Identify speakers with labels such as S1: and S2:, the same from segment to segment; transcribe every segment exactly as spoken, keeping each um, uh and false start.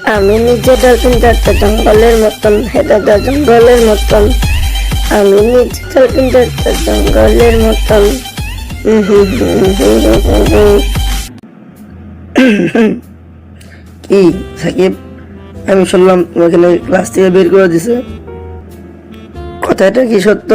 S1: আমি নিজে ডলফিনটা একটা জঙ্গলের মতন, হেদাদা জঙ্গলের মতন। আমি নিজে ডলফিনটা একটা জঙ্গলের মতন।
S2: কি সাকিব, আমি শুনলাম তোমাকে নাকি ক্লাস থেকে বের করে দিছে, কথাটা কি সত্য?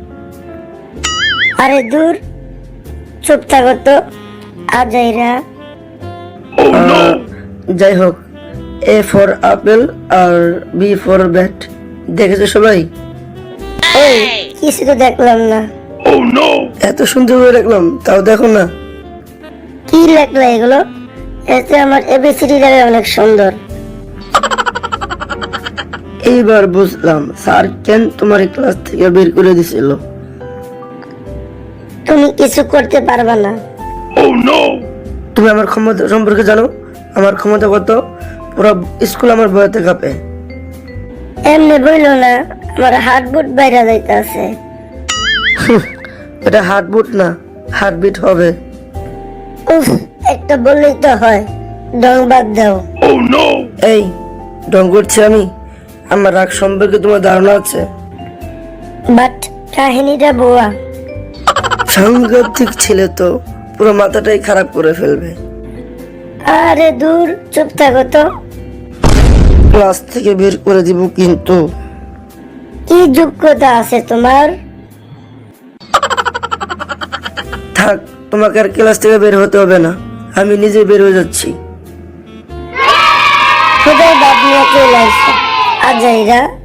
S1: আরে দূর, চুপ থাকো তো আজাইরা।
S2: আহ, যাই হোক, এ ফর আপেল আর বি ফর ব্যাট দেখেছো সবাই?
S1: এই কিছু তো দেখলাম না।
S2: এত সুন্দর করে রাখলাম তাও দেখো না?
S1: কি লেখলা এগুলো? এতে আমার এবিসিডি লাগে অনেক সুন্দর।
S2: এইবার বুঝলাম স্যার কেন তোমার এই ক্লাস থেকে বের করে দিছিল।
S1: তুমি কিছু করতে পারবা না।
S2: তুমি আমার ক্ষমতা সম্পর্কে জানো? আমার ক্ষমতা কত? পুরো স্কুল আমার বইতে কাঁপে।
S1: এমনি বইলো না, আমার হার্ট বুট বাইরে যাইতে আছে।
S2: এটা হার্টবিট না, হার্টবিট হবে।
S1: উফ, একটা বললেই তো হয়। ডং বাদ দাও।
S2: এই ঢং করছি আমি? আমার রাগ সম্পর্কে তোমার ধারণা আছে?
S1: বাট কাহিনীটা বোয়া।
S2: সাংঘাতিক ছেলে তো, পুরো মাথাটাই খারাপ করে ফেলবে।
S1: আরে দূর, চুপ থাকো তো।
S2: ক্লাস থেকে বের করে দিব কিন্তু।
S1: কি যোগ্যতা আছে তোমার?
S2: থাক, তোমাকে আর ক্লাস থেকে বের হতে হবে না, আমি নিজে বের হয়ে যাচ্ছি।
S1: খোদাই বাদ নিয়ে চলে আসো আজাইরা।